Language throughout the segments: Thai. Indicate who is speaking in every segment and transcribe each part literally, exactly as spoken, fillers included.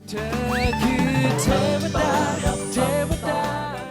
Speaker 1: เธอคือเทวดาเทวดา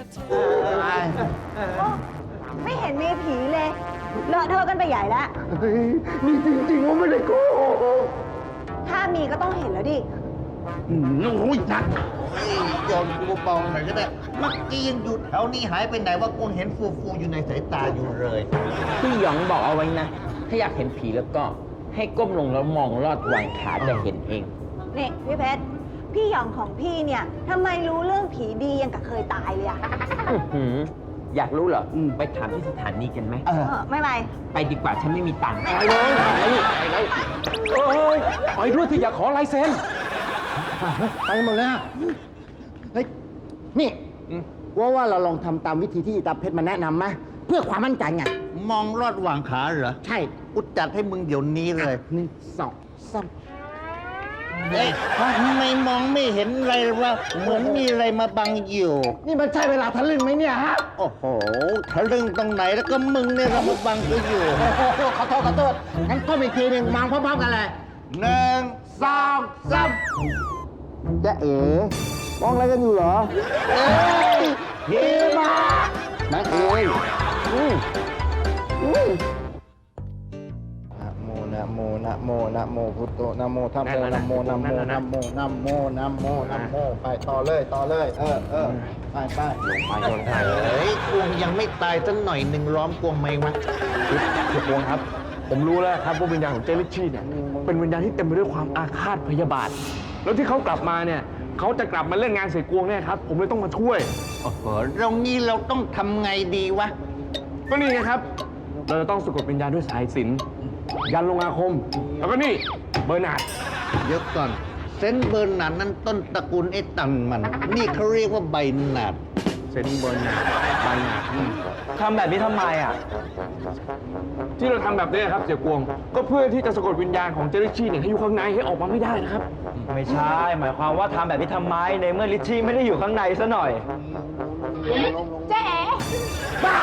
Speaker 2: ไม่เห็นมีผีเลยเลอะเทอะกันไปใหญ่แล้ว
Speaker 3: เฮ้ยมีจริงๆว่าไม่ได้โกหก
Speaker 2: ถ้ามีก็ต้องเห็นแล้วดิ
Speaker 3: อืมโอ้ยนัด
Speaker 4: โยนกูเบาๆหน่อยก็ได้เมื่อกี้ยังอยู่แถวนี้หายไปไหนว่ากูเห็นฟูๆอยู่ในสายตาอยู่เลย
Speaker 5: พี่หยองบอกเอาไว้นะ ถ้าอยากเห็นผีแล้วก็ให้ก้มลงแล้วมองลอดวางขาจะเห็นเอง
Speaker 2: นี่พี่เพชร พี่หยองของพี่เนี่ยทำไมรู้เรื่องผีดียังกับเคยตายเลยอะ
Speaker 5: อื้อหืออยากรู้เหรอ ไปถามที่สถานีกันไหม
Speaker 2: เออไม่ไป
Speaker 5: ไปดีกว่าฉันไม่มีตังค์
Speaker 6: ไปเลยไปไปเลยเอ้ยไปด้วยที่อยากขอลายเซ็น
Speaker 3: ไปหมดแล้วเฮ้ยนี่ว่าว่าเราลองทำตามวิธีที่อีตาเพชรมาแนะนำไหมเพื่อความมั่นใจไง
Speaker 4: มองลอดหว่างขาเหรอ
Speaker 3: ใช่
Speaker 4: กูจัดให้มึงเดี๋ยวนี้เลย
Speaker 3: หนึ่งสองสาม
Speaker 4: เฮ้ยทำไมมองไม่เห็นอะไรวะเหมือนมีอะไรมาบังอยู่
Speaker 3: นี่มันใช่เวลาทะลึ่งไหมเนี่ยฮะ
Speaker 4: โอ้โหทะลึ่งตรงไหนแล้วก็มึงเนี่ยเรามาบังกูอยู่
Speaker 3: โอ้โหขอโทษขอโทษงั้นก้มอีกทีหนึ่งมองพร้อมๆกันเลย
Speaker 4: หนึ่ง
Speaker 3: สองสามจะเอ๋มองอะไรกันอยู่เหรอ
Speaker 4: เอ้ย
Speaker 3: เฮ้มานะเอ๋ยอืมอืมนะโมนะโมนะโมนะโมพุทโธนะโมธัมโมนะโมนะโมนะโมนะโมนะโมนะโมไปต่อเลยต่อเลย เออเออไปไป
Speaker 6: ไปโดนไป
Speaker 4: เฮ้ยกวงยังไม่ตายสักหน่อยหนึ่งล้อมกวงไหมวะ
Speaker 6: คือพวงครับ ผมรู้แล้วครับว่าวิญญาณของเจลิชชี่เนี่ยเป็นวิญญาณที่เต็มไปด้วยความอาฆาตพยาบาท แล้วที่เขากลับมาเนี่ยเขาจะกลับมาเล่นงานเสกวงเนี่ยครับผมเลยต้องมาช่วย
Speaker 4: โอ้โหเรางี้เราต้องทำไงดีวะ
Speaker 6: ก็นี่ไงครับ เราจะต้องสะกดวิญญาณด้วยสายสิญจน์ยันลงอาคม แล้วก็นี่เบอร์นาร์ด
Speaker 4: เดี๋ยวก่อน เซนต์เบอร์นาร์ดนั้นต้นตระกูลไอ้ตันมัน นี่เขาเรียกว่าใบหนาด
Speaker 6: เซนเบอร์นาร์ดใบนาร์ด
Speaker 5: ทำแบบนี้ทำไมอ่ะ
Speaker 6: ที่เราทำแบบนี้ครับเสียกวง ก็เพื่อที่จะสะกดวิญญาณของเจลิชชี่เนี่ยให้อยู่ข้างในให้ออกมาไม่ได้นะครับ
Speaker 5: ไม่ใช่ หมายความว่าทำแบบนี้ทำไม ในเมื่อลิชชี่ไม่ได้อยู่ข้างในซะหน่อย
Speaker 2: เจ๊เอ๋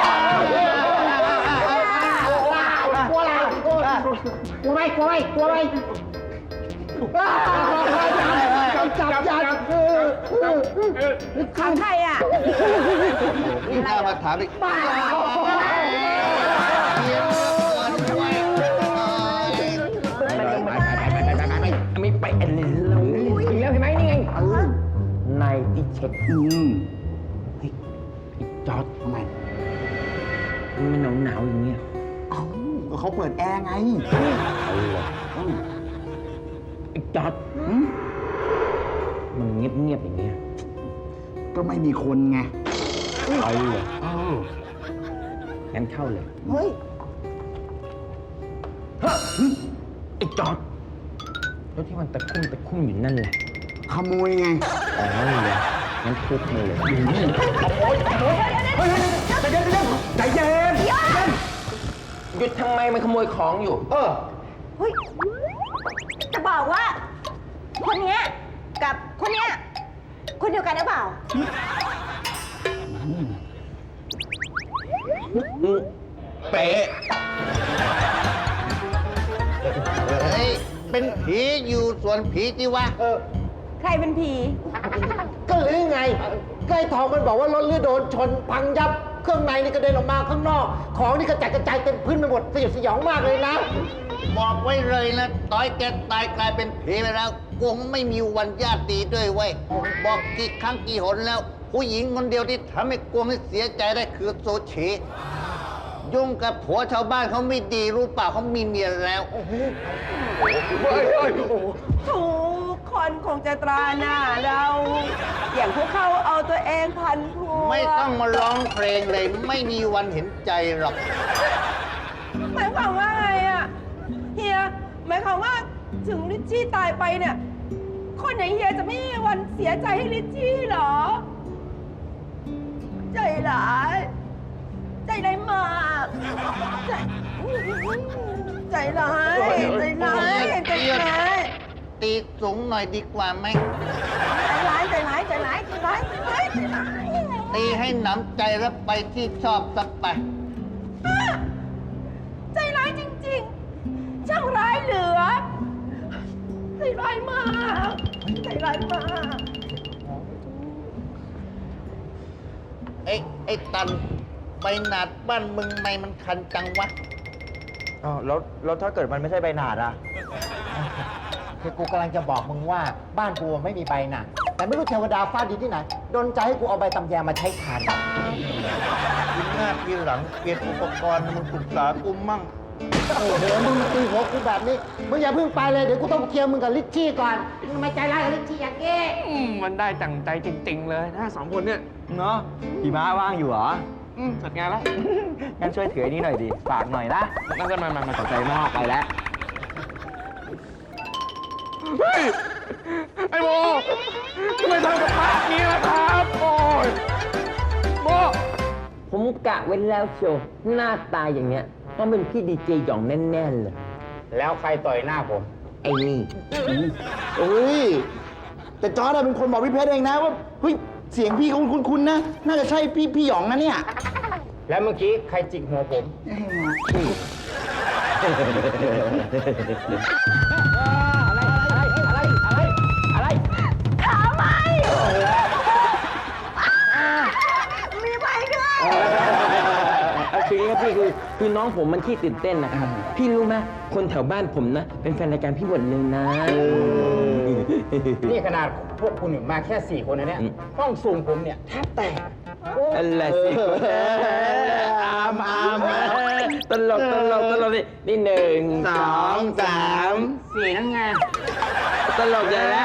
Speaker 3: กลัวอะไรกลัวกลัวไหมกลัวไหมกลัวไหมจับจับจับ
Speaker 2: ของใครอะ
Speaker 4: นี่น่ามาถามอีกบ้า
Speaker 5: ไม่ไปเอ็นเลยเราถึงแล้วเห็นไหมนี่ไงในที่เช็ค
Speaker 3: อืม
Speaker 5: เฮ้ยไอ้จอร์ด
Speaker 3: ทำไม
Speaker 5: มันหนาวหนาวๆอย่างเงี้ย
Speaker 3: เอ้าก็เขาเปิดแอร์ไง
Speaker 5: เอาเลย
Speaker 3: อืม
Speaker 5: ไอ้จอร์ดมันเงียบเงียบๆอย่างเงี้ย
Speaker 3: ก็ไม่มีคนไง
Speaker 5: เอาเลย
Speaker 3: อ้าว
Speaker 5: งั้นเข้าเลย
Speaker 3: เฮ้ย
Speaker 5: ไอ้จอร์ดแล้วที่มันตะคุ่มตะคุ่มอยู่นั่นแหละ
Speaker 3: ขโมยไง
Speaker 5: อ๋อเลยงั้นทุบมาเลย
Speaker 6: ใจเย็นใจเย็น
Speaker 5: หยุดทำไมมันขโมยของอยู่
Speaker 3: เออ
Speaker 2: เฮ้ยจะบอกว่า คนเนี้ยกับคนเนี้ยคนเดียวกันหรือเปล่า
Speaker 5: เป๊ะ
Speaker 4: เฮ้ย เป็นผีอยู่ส่วนผีที่วะ
Speaker 2: ใครเป็นผี
Speaker 3: ก็หรือไงก็ไอ้ทองมันบอกว่ารถเรือโดนชนพังยับ เครื่องในนี่กระเด็นออกมาข้างนอก ของนี่กระจัดกระจายเต็มพื้นไปหมดสยดสยองมากเลยนะ
Speaker 4: บอกไว้เลยนะต้อยแกตายกลายเป็นผีไปแล้วกวงไม่มีวันญาติดีด้วยเว้ย บอกกี่ครั้งกี่หนแล้ว ผู้หญิงคนเดียวที่ทำให้กวงให้เสียใจได้คือโซชียุ่งกับผัวชาวบ้านเขาไม่ดีรู้เปล่าเขามีเมียแล้ว
Speaker 7: ทุกคนคงจะตราหน้าเรา อย่างพวกเขาเอาตัวเองพันพัว
Speaker 4: ไม่ต้องมาร้องเพลงเลย ไม่มีวันเห็นใจหรอก
Speaker 7: หมายความว่าไงอะเฮียหมายความว่าถึงลิชชี่ตายไปเนี่ย คนอย่างเฮียจะไม่มีวันเสียใจให้ลิชชี่เหรอ ใจร้ายใจร้ายมากใจใจร้ายใจร้ายใจร้าย
Speaker 4: ตีสูงหน่อยดีกว่าไหม
Speaker 7: ใจร้ายใจร้ายใจร้ายใจร้ายใจร้ายใจร้าย
Speaker 4: ตีให้หนำใจแล้วไปที่ชอบสักไป
Speaker 7: ใจร้ายจริงๆ ช่างร้ายเหลือ ใจร้ายมากใจร้ายมาก
Speaker 4: ไอ้ไอ้ตันใบหนาดบ้านมึงไม่มันคันจังวะ
Speaker 3: อ้าวแล้วแล้วถ้าเกิดมันไม่ใช่ใบหนาดอ่ะ คือกูกำลังจะบอกมึงว่าบ้านกูไม่มีใบหนาดแต่ไม่รู้เทวดาฟาดดีที่ไหนโดนใจให้กูเอาใบตำแยมาใช้ทาน
Speaker 4: กินหน้าทีหลังเปลี่ยนอุปกรณ์มึงปรึกษากูมั่ง
Speaker 3: โอ้โหมึงมาตีหัวกูแบบนี้มึงอย่าเพิ่งไปเลยเดี๋ยวกูต้องเคลียร์มึงกับลิชชี่ก่อนมึงไม่ใจร้ายกับลิชชี่อย่างนี้
Speaker 6: อืมมันได้จังใจจริง ๆ เลยนะสองคนเนี่ย
Speaker 3: เนาะพี่ม้าว่างอยู่เหรอ
Speaker 6: อืมจัดงานแล้ว
Speaker 3: งั้นช่วยถือไอ้นี่หน่อยดิฝากหน่อยนะ
Speaker 6: นั่นก็มามามา
Speaker 3: ขอบใจมากไปแล้ว
Speaker 6: เฮ้ย ไอ้โบทำไมทำกับป้าอย่างนี้ล่ะครับ โอ้ยโบ
Speaker 5: ผมกะไว้แล้วเชียวหน้าตาอย่างเนี้ยต้องเป็นพี่ดีเจหย่องแน่ๆเลย
Speaker 3: แล้วใครต่อยหน้าผม
Speaker 5: ไอ้นี่
Speaker 3: เฮ้ย แต่จอร์ดเป็นคนบอกพี่เพชรเองนะว่าเฮ้ยเสียงพี่เขาคุ้นๆนะ น่าจะใช่พี่พี่หยองนะเนี่ย แล้วเมื่อกี้ใครจิกหัวผม อะไร อะไร อะไร อะไร
Speaker 2: ขาไหมมีไหมด้วย
Speaker 5: เอาคืออย่างนี้ครับพี่คือคือน้องผมมันขี้ตื่นเต้นนะครับ พี่รู้ไหมคนแถวบ้านผมนะ เป็นแฟนรายการพี่หมดเลยนะ
Speaker 3: นี่ขนาดพวกคุณอยู่มาแค่สี่คนนะเนี่ย ห้องสูงผมเนี่ยแทบแตก
Speaker 5: อะไรสิอามอามตลกตลกตลกนี่นี่หนึ่ง
Speaker 3: สองสามสี่นั่นไง
Speaker 5: ตลกใหญ่แล้ว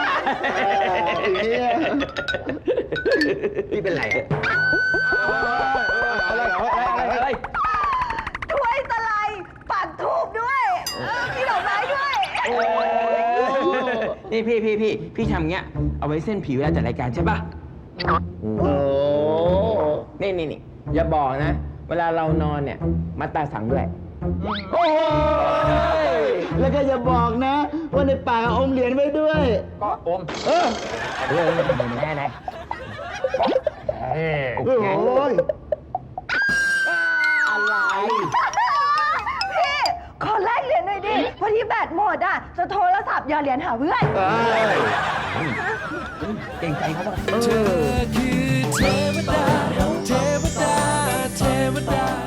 Speaker 3: พี่เป็นไรอะอะไรอะไรอะไร
Speaker 2: ถ้วยตะไลปักทูบด้วยเออมีดอกไม้ด้วย
Speaker 5: นี่พี่พี่พี่พี่ทำเงี้ย เอาไว้เส้นผิวเวลาจัดรายการใช่ป่ะ
Speaker 3: โอ้
Speaker 5: นี่นี่นี่อย่าบอกนะ เวลาเรานอนเนี่ย มัดตาสังด้วย
Speaker 3: โอ้ยแล้วก็อย่าบอกนะ ว่าในปากอมเหรียญไว้ด้วย ก็อม เออ
Speaker 5: เรื่องแน่แน่
Speaker 3: โอ้ย
Speaker 5: อะไร
Speaker 2: พี่ ขอแลกเหรียญหน่อยดิ พอดีแบตหมดอ่ะ จะโทรศัพท์หยอดเหรียญหาเพื่อน
Speaker 5: เก่งใจเขาบ้าง
Speaker 1: เธอคือเทวดา เทวดา เทวดา